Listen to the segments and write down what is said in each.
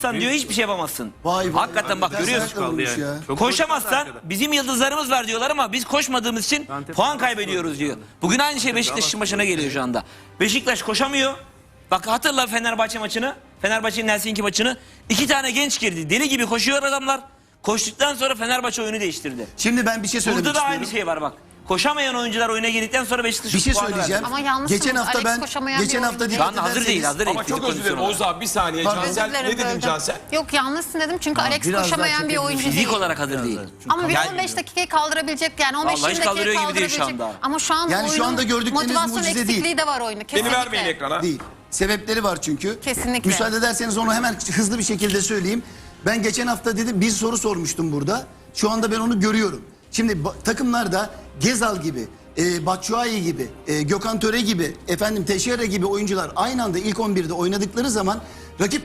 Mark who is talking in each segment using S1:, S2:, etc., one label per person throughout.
S1: diyor hiçbir şey yapamazsın.
S2: Vay vay.
S1: Hakikaten bak görüyorsun.
S2: Ya.
S1: Koşamazsan bizim yıldızlarımız var diyorlar ama biz koşmadığımız için puan kaybediyoruz diyor. Bugün aynı şey Beşiktaş'ın başına geliyor şu anda. Beşiktaş koşamıyor. Bak hatırla Fenerbahçe maçını. Fenerbahçe'nin Helsinki maçını. 2 tane genç girdi. Deli gibi koşuyor adamlar. Koştuktan sonra Fenerbahçe oyunu değiştirdi.
S2: Şimdi ben bir şey söylemek
S1: Burada da
S2: istiyorum.
S1: aynı şey var bak. Koşamayan oyuncular oyuna girdikten sonra Beşiktaş
S2: Bir şey
S1: puanı
S2: söyleyeceğim.
S1: verdi.
S3: Ama yanlışsınız.
S2: Geçen hafta
S3: Alex
S2: ben
S3: koşamayan
S2: geçen
S3: bir
S2: hafta
S3: oyuncu
S1: Şu anda hazır değil, hazır değil.
S4: Ama çok
S1: Fizik
S4: özür dilerim
S1: kondisyonu
S4: Oğuz abi, bir saniye.
S2: Pardon.
S4: Cansel
S3: Özür dilerim,
S4: ne dedin
S3: böldüm.
S4: Cansel?
S3: Yok yanlışsın dedim çünkü Alex
S2: biraz daha
S3: koşamayan bir oyuncu
S1: Fizik
S3: değil.
S1: olarak hazır değil.
S3: Ama bir
S1: Yani-
S3: 15 dakikayı kaldırabilecek yani 15
S1: Vallahi hiç
S3: dakikayı
S1: kaldırıyor gibi değil şu
S3: kaldırabilecek.
S1: anda.
S3: Ama şu anda
S2: Yani şu
S3: oyunun
S2: anda gördükleriniz
S3: motivasyon
S2: mucize
S3: eksikliği
S2: değil.
S3: de var oyunu.
S4: Beni
S3: Kesinlikle.
S4: vermeyin ekrana.
S2: Değil. Sebepleri var çünkü.
S3: Kesinlikle.
S2: Müsaade ederseniz onu hemen hızlı bir şekilde söyleyeyim. Ben geçen hafta dedim bir soru sormuştum burada. Şu anda ben onu görüyorum. Şimdi takımlarda Gezal gibi, Batshuayi gibi, Gökhan Töre gibi, Teixeira gibi oyuncular aynı anda ilk 11'de oynadıkları zaman rakip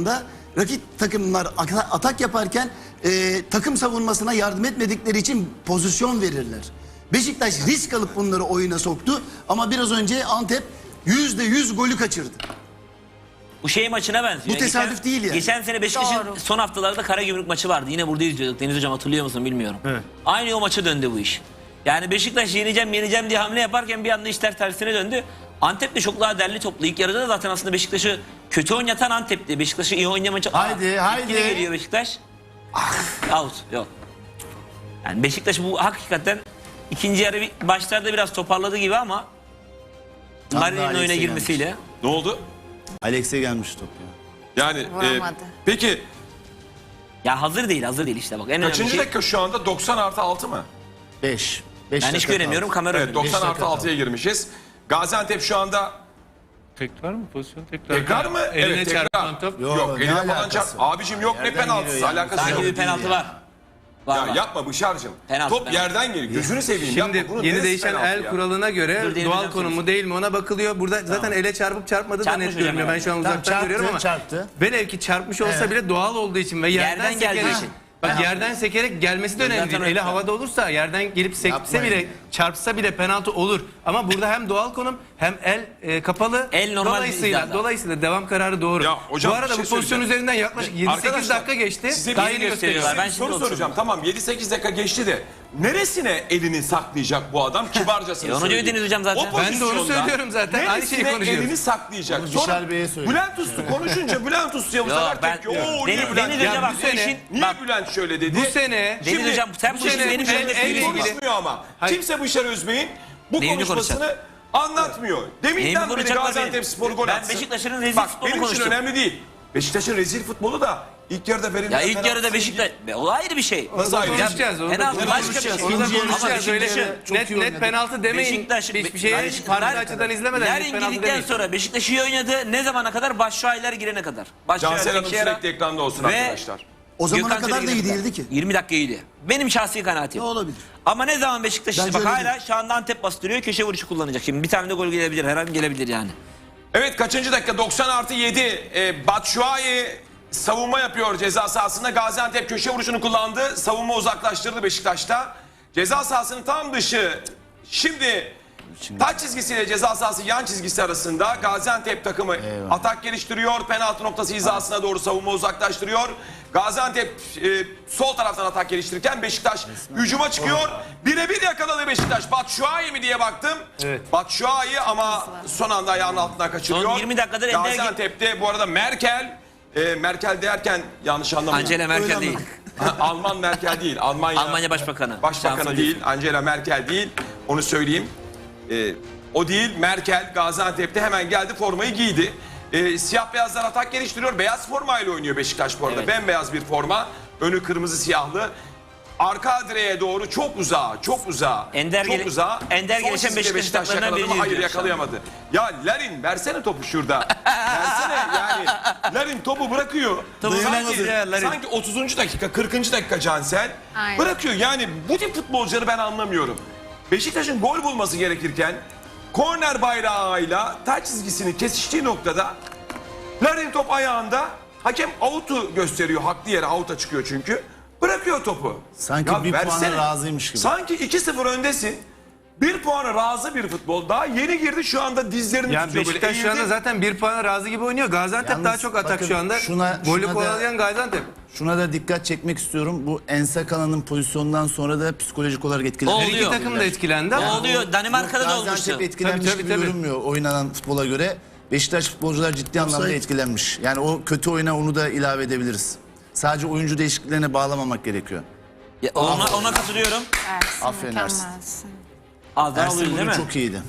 S2: takımlar atak yaparken takım savunmasına yardım etmedikleri için pozisyon verirler. Beşiktaş risk alıp bunları oyuna soktu ama biraz önce Antep %100 golü kaçırdı.
S1: Bu şey maçına benziyor.
S2: Bu tesadüf değil yani.
S1: Geçen sene Beşiktaş'ın
S3: Doğru.
S1: son haftalarda Karagümrük maçı vardı. Yine burada izliyorduk. Deniz Hocam hatırlıyor musun bilmiyorum. Evet. Aynı o maça döndü bu iş. Yani Beşiktaş yeneceğim diye hamle yaparken bir anda işler tersine döndü. Antep de çok daha derli toplu. İlk yarıda da zaten aslında Beşiktaş'ı kötü oynatan Antep'ti. Beşiktaş'ı iyi oynamacı.
S5: Haydi.
S1: Yine geliyor Beşiktaş. Out. Yok. Yani Beşiktaş bu hakikaten ikinci yarı başlarda biraz toparladı gibi ama Larin'in oyuna
S5: Alex'e
S1: girmesiyle.
S4: Ne oldu?
S5: Alex'e gelmiş top ya.
S4: Yani
S3: Vuramadı.
S4: peki
S1: Ya hazır değil işte bak. En önemli
S4: kaçıncı
S1: şey.
S4: dakika şu anda? 90+6 mı?
S5: 5.
S1: Ben hiç göremiyorum kamera
S4: Evet,
S1: önünde.
S4: 90+6'ya girmişiz. Gaziantep şu anda
S6: Tekrar mı pozisyon? Tekrar.
S4: tekrar mı?
S6: Eline
S4: Evet, tekrar.
S6: çarpan top.
S4: Yok,
S5: ne
S4: eline falan
S5: alakası
S4: çarp.
S5: var?
S4: Abicim yok, ne
S5: Yerden
S4: penaltısı,
S5: geliyor yani.
S4: alakası
S1: Sanki
S4: yok.
S1: bir penaltı var. Var,
S4: Ya
S1: var.
S4: yapma Bışar'cığım.
S1: Penaltı,
S4: Top
S1: penaltı.
S4: yerden geliyor. Gözünü seveyim.
S6: Şimdi
S4: yapma. Bunun
S6: yeni
S4: neresi
S6: değişen
S4: penaltı
S6: el
S4: ya?
S6: kuralına göre
S1: Dur, diyelim
S6: doğal
S1: hocam
S6: konum mu
S1: söylesin.
S6: değil mi ona bakılıyor. Burada zaten ele çarpıp çarpmadığı da
S1: Çarpmış
S6: net
S1: hocam
S6: görünüyor. Ben
S1: yani.
S6: şu an
S5: Tamam,
S6: uzaktan görüyorum ama
S5: çarptı.
S6: velev ki çarpmış olsa bile doğal olduğu için ve yerden
S1: Yerden geldiği
S6: sekerek
S1: için.
S6: bak yerden sekerek gelmesi de önemli
S1: Zaten
S6: değil.
S1: öyle.
S6: Eli havada olursa yerden gelip sekse
S5: Yapmayın.
S6: bile çarpsa bile penaltı olur. Ama burada hem doğal konum hem el kapalı.
S1: El normal hizada.
S6: Dolayısıyla devam kararı doğru.
S4: Ya hocam,
S6: Bu arada
S4: bir şey
S6: bu pozisyon
S4: söyleyeceğim.
S6: üzerinden yaklaşık 7-8
S4: Arkadaşlar,
S6: dakika geçti.
S4: size
S6: Daha
S4: bir
S6: yeni
S4: şey
S6: gösteriyorlar.
S1: Ben
S4: Ben
S1: şimdi
S4: soru
S1: oturdum.
S4: soracağım. Tamam 7-8 dakika geçti de neresine elini saklayacak bu adam? Kibarcasını
S1: onu
S4: söyleyeyim.
S1: dediniz hocam zaten.
S4: O
S6: Ben de onu
S4: pozisyonda
S6: söylüyorum zaten. Aynı şeyi
S4: neresine
S6: konuşuyoruz.
S4: elini saklayacak?
S5: Onu
S4: Sonra
S5: Bişar Bey'e söyle.
S4: Bülent Usta konuşunca Bülent Usta'ya bu
S1: Yok,
S4: sefer
S1: ben-
S4: tepki. Oo niye
S1: Deniz
S4: Bülent?
S1: Hoca
S6: Ya
S1: bak
S6: bu
S1: bu
S6: sene-
S1: işin...
S4: Niye
S1: Bak
S4: Bülent şöyle dedi?
S6: Bu sene
S1: Deniz Hocam sen bu işin
S6: sene
S1: benim
S6: el-
S1: üzerinde
S6: el-
S1: fiil gibi.
S4: konuşmuyor ama.
S6: Hayır.
S4: Kimse Bışar Özbey'in bu
S1: Neyini
S4: konuşmasını anlatmıyor. Deminden
S1: Neyimi
S4: beri
S1: konuşacaklar
S4: Gaziantep
S1: benim?
S4: Spor gol
S1: Ben
S4: atsın.
S1: Beşiktaş'ın rezil
S4: Bak
S1: futbolunu
S4: benim için
S1: konuştum.
S4: önemli değil. Beşiktaş'ın rezil futbolu da ilk yarıda verilen
S1: Ya ilk
S4: penaltı
S1: yarıda Beşiktaş... O ayrı bir şey.
S4: Nasıl ayrı?
S6: konuşacağız. Onu da
S1: Penaltı başka bir
S6: konuşacağız.
S1: şey.
S6: Onu da
S5: İkinci yarı
S6: konuşacağız.
S5: ikinci
S6: Öyle
S5: yarı çok iyi
S6: net
S5: oynadı.
S6: penaltı demeyin.
S1: Beşiktaş...
S6: Hiçbir şeye farklı açıdan izlemeden net
S1: Larin
S6: penaltı
S1: girdikten
S6: demeyin.
S1: sonra Beşiktaş iyi oynadı. Ne zamana kadar? Batshuayi'ler girene kadar.
S4: Cansel Hanım
S1: Teixeira
S4: sürekli ekranda olsun
S1: ve
S4: arkadaşlar.
S2: O zamana
S1: Gökhan
S2: kadar da
S1: Töre
S2: iyi
S1: girene
S2: değildi
S1: kadar.
S2: ki.
S1: 20 dakika iyiydi. Benim şahsi kanaatim.
S2: Ne olabilir?
S1: Ama ne zaman Beşiktaş
S2: Bence
S1: bak
S2: öyle
S1: hala
S2: değil.
S1: şu anda Antep bastırıyor. Köşe vuruşu kullanacak. Şimdi bir tane de gol gelebilir. Her an gelebilir yani.
S4: Evet kaçıncı dakika? 90+7. Batshuayi savunma yapıyor ceza sahasında. Gaziantep köşe vuruşunu kullandı. Savunma uzaklaştırdı Beşiktaş'ta. Ceza sahasının tam dışı. Şimdi taç çizgisiyle ceza sahası yan çizgisi arasında Gaziantep takımı atak geliştiriyor. Penaltı noktası hizasına doğru savunma uzaklaştırıyor. Gaziantep sol taraftan atak geliştirirken Beşiktaş hücuma çıkıyor. Birebir yakaladı Beşiktaş. Batshuayi mi diye baktım.
S6: Evet.
S4: Batshuayi ama son anda ayağının altından kaçırıyor.
S1: Son 20 dakikadır Ender-
S4: Gaziantep'te bu arada Merkel derken yanlış anlamayın.
S1: Angela Merkel değil.
S4: Alman Merkel değil.
S1: Almanya Başbakanı.
S4: Başbakanı
S1: Şansölye.
S4: değil. Angela Merkel değil. Onu söyleyeyim. O değil. Merkel Gaziantep'te hemen geldi formayı giydi. Siyah beyazlar atak geliştiriyor. Beyaz formayla oynuyor Beşiktaş bu arada.
S1: Evet.
S4: Bembeyaz bir forma. Önü kırmızı siyahlı. Arka direğe doğru çok uzağa, çok uzağa,
S1: Ender
S4: çok
S1: gele-
S4: uzağa.
S1: Ender
S4: Son
S1: gelişen
S4: çizgide
S1: Beşiktaş takımlarından
S4: yakaladı mı?
S1: birini
S4: Hayır
S1: izliyoruz şu anda.
S4: yakalayamadı. Ya Larin versene topu şurada. Versene yani. Larin topu bırakıyor. Sanki 30. dakika, 40. dakika Cansel.
S3: Aynen.
S4: Bırakıyor. Yani bu tip futbolcuları ben anlamıyorum. Beşiktaş'ın gol bulması gerekirken korner bayrağıyla taç çizgisini kesiştiği noktada Larin top ayağında, hakem out'u gösteriyor. Haklı yere out'a çıkıyor çünkü. Bırakıyor topu.
S5: Sanki bir puana razıymış gibi.
S4: Sanki 2-0 öndesin. Bir puana razı bir futbol. Daha yeni girdi, şu anda dizlerini
S6: Yani
S4: tutuyor böyle.
S6: Beşiktaş şu anda
S4: eğildi.
S6: zaten 1 puana razı gibi oynuyor. Gaziantep
S5: Yalnız
S6: daha çok atak
S5: bakın,
S6: şu anda.
S5: şuna
S6: Golü
S5: da-
S6: kovalayan Gaziantep.
S5: Şuna da dikkat çekmek istiyorum. Bu Ensakala'nın pozisyonundan sonra da psikolojik olarak etkilendi.
S1: O
S6: Her iki
S1: oluyor.
S6: takım da etkilendi
S1: O
S6: ama
S1: oluyor. Danimarka'da da olmuştu.
S5: Gaziantep etkilenmiş
S6: Tabii,
S5: gibi
S6: tabii.
S5: görünmüyor oynanan futbola göre. Beşiktaş futbolcular ciddi anlamda
S2: Offside.
S5: etkilenmiş. Yani o kötü oyuna onu da ilave edebiliriz. Sadece oyuncu değişikliklerine bağlamamak gerekiyor.
S1: Ya, ona katılıyorum.
S3: Ersin,
S5: Aferin Ersin.
S3: mükemmelsin.
S1: Az daha
S5: Ersin
S1: alıyoruz değil
S5: bugün
S1: mi?
S5: çok iyiydi.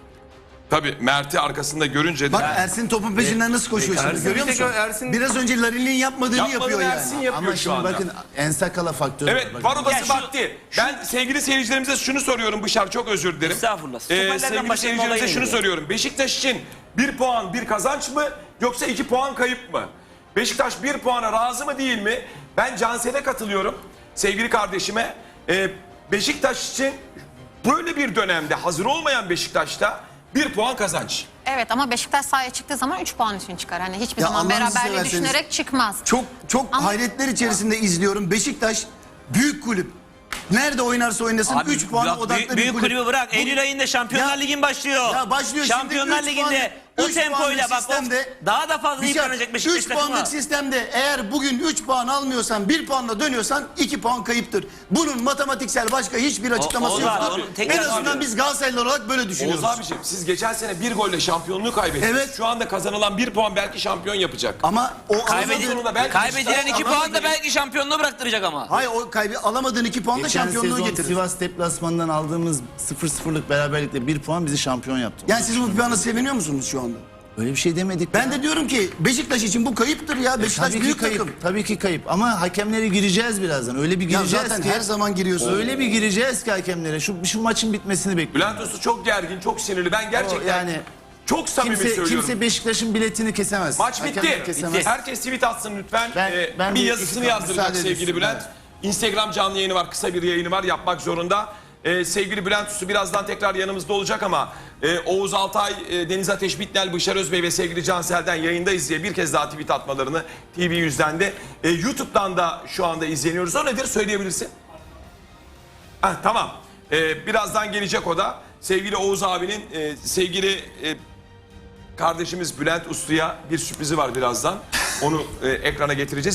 S4: Tabii Mert'i arkasında görünce de.
S2: Bak Ersin topun peşinden nasıl koşuyor şimdi,
S6: Ersin
S2: görüyor
S6: bir tek
S2: musun?
S6: Ersin-
S2: Biraz önce Larin'in yapmadığını
S4: Yapmadığını
S2: yapıyor yani.
S4: Ersin yapıyor
S5: Ama
S4: şu
S5: şimdi
S4: anda.
S5: bakın Ensakala faktörü.
S4: Evet,
S5: var.
S4: var
S5: Bakın.
S4: odası
S1: Ya şu-
S4: vakti. Ben sevgili seyircilerimize şunu soruyorum Bışar, çok özür dilerim.
S1: Estağfurullah. Stoperlerden
S4: Sevgili
S1: başlayalım,
S4: seyircilerimize
S1: olaya
S4: şunu
S1: geliyor.
S4: soruyorum. Beşiktaş için 1 puan bir kazanç mı yoksa 2 puan kayıp mı? Beşiktaş 1 puana razı mı değil mi? Ben Cansel'e katılıyorum sevgili kardeşime. Beşiktaş için böyle bir dönemde hazır olmayan Beşiktaş'ta 1 puan kazanç.
S3: Evet ama Beşiktaş sahaya çıktığı zaman 3 puan için çıkar. Hani hiçbir
S2: Ya
S3: zaman
S2: Allah'ınızı
S3: beraberliği
S2: severseniz-
S3: düşünerek çıkmaz.
S2: Çok
S3: Ama-
S2: hayretler içerisinde izliyorum. Beşiktaş büyük kulüp. Nerede oynarsa oynasın
S1: Abi,
S2: 3 puana
S1: bak,
S2: odaklı bir
S1: büyük
S2: kulüp.
S1: kulübü bırak. Eylül ayında Şampiyonlar
S2: Ya-
S1: Ligi'nin başlıyor.
S2: Ya başlıyor şimdi,
S1: Şampiyonlar
S2: 3
S1: Ligi'nde
S2: puanlık-
S1: o
S2: 3
S1: tempoyla
S2: puanlık
S1: bak
S2: sistemde-
S1: daha da fazla yıpranacak Beşiktaş
S2: 3
S1: takımı.
S2: puanlık sistemde eğer bugün 3 puan almıyorsan 1 puanla dönüyorsan 2 puan kayıptır. Bunun matematiksel başka hiçbir açıklaması
S1: o var,
S2: yoktur.
S1: onu tekrar
S2: En azından
S1: söylüyorum.
S2: biz Galatasaraylı olarak böyle düşünüyoruz.
S4: Oğuz abiciğim, siz geçen sene bir golle şampiyonluğu kaybettiniz.
S2: Evet.
S4: Şu anda kazanılan 1 puan belki şampiyon yapacak.
S2: Ama o
S4: Kaybedilen- sonunda belki
S1: Kaybedilen
S4: Beşiktaş
S1: 2 puan da
S2: alamadığını-
S1: belki şampiyonluğu bıraktıracak ama.
S2: Hayır, o alamadığın 2 puan da
S5: Geçen
S2: şampiyonluğu
S5: sezon
S2: getirir.
S5: Sivas deplasmanından aldığımız 0-0'lık beraberlikle 1 puan bizi şampiyon yaptı.
S2: Yani siz bu puana seviniyor musunuz şu anda?
S5: Öyle bir şey demedik.
S2: Ben de diyorum ki Beşiktaş için bu kayıptır ya. Beşiktaş
S5: Tabii ki
S2: büyük
S5: kayıp.
S2: takım.
S5: Tabii ki kayıp. Ama hakemlere gireceğiz birazdan. Öyle bir
S2: Ya
S5: gireceğiz
S2: zaten
S5: ki.
S2: her zaman giriyorsun.
S5: Öyle bir gireceğiz ki hakemlere. Şu maçın bitmesini bekliyorum.
S4: Bülent Usta çok gergin, çok sinirli. Ben gerçekten
S5: yani
S4: çok samimi söylüyorum.
S5: kimse Beşiktaş'ın biletini kesemez.
S4: Maç
S5: Hakemler
S4: bitti.
S5: kesemez.
S4: Herkes tweet atsın lütfen.
S5: Ben
S4: Bir
S5: bir
S4: yazısını
S5: iki-
S4: yazdıracak
S5: müsaade
S4: sevgili
S5: edin.
S4: Bülent. Instagram canlı yayını var, kısa bir yayını var, yapmak zorunda. Sevgili Bülent Usta birazdan tekrar yanımızda olacak ama Oğuz Altay, Deniz Ateş Bitnel, Bışar Özbey ve sevgili Cansel'den yayındayız diye bir kez daha tweet atmalarını TV100'den de YouTube'dan da şu anda izleniyoruz. O nedir söyleyebilirsin? Tamam. Birazdan gelecek o da. Sevgili Oğuz abinin sevgili kardeşimiz Bülent Uslu'ya bir sürprizi var birazdan. Onu ekrana getireceğiz.